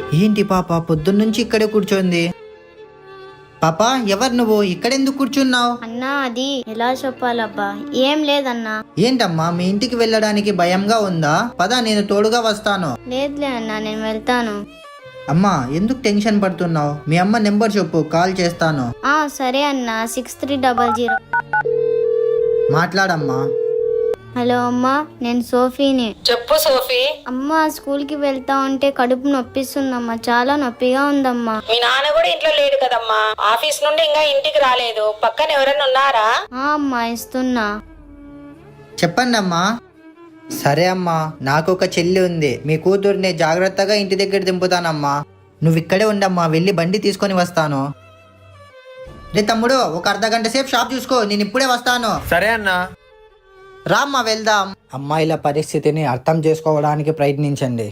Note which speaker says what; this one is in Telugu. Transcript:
Speaker 1: ఏంటి పాప పొద్దున్నుంచి ఇక్కడే కూర్చోంది? పాప, ఎవరు నువ్వు? ఇక్కడెందుకు కూర్చున్నావు?
Speaker 2: అన్నా అది ఎలా చెప్పాలబ్బా, ఏం లేదన్నా.
Speaker 1: ఏంటమ్మా, మీ ఇంటికి వెళ్ళడానికి భయంగా ఉందా? పద, నేను తోడుగా వస్తాను.
Speaker 2: లేదులే అన్నా, నేను వెళ్తాను.
Speaker 1: అమ్మా, ఎందుకు టెన్షన్ పడుతున్నావు? మీ అమ్మ నెంబర్ చెప్పు, కాల్ చేస్తాను.
Speaker 2: సరే అన్నా, 6300.
Speaker 1: మాట్లాడమ్మా.
Speaker 2: హలో అమ్మా, నేను సోఫీని.
Speaker 3: చెప్పు సోఫీ.
Speaker 2: అమ్మా, స్కూల్కి వెళ్తా ఉంటే కడుపు నొప్పిస్తుందమ్మా, చాలా నొప్పిగా ఉందమ్మా.
Speaker 3: మీ నాన్న కూడా ఇంట్లో లేడు కదమ్మా, ఆఫీస్ నుండి ఇంకా ఇంటికి రాలేదు. పక్కన ఎవరైనా ఉన్నారా?
Speaker 2: అమ్మా, ఇస్తున్నా.
Speaker 1: చెప్పండి అమ్మా. సరే అమ్మా, నాకు ఒక చెల్లి ఉంది. మీ కూతుర్ని జాగ్రత్తగా ఇంటి దగ్గర దింపుతానమ్మా. నువ్వు ఇక్కడే ఉండమ్మా, వెళ్ళి బండి తీసుకొని వస్తాను. రే తమ్ముడు, ఒక అర్ధగంట సేపు షాప్ చూసుకో, నేను ఇప్పుడే వస్తాను.
Speaker 4: సరే అన్నా.
Speaker 1: రామ్మా, వెళ్దాం. అమ్మాయిల పరిస్థితిని అర్థం చేసుకోవడానికి ప్రయత్నించండి.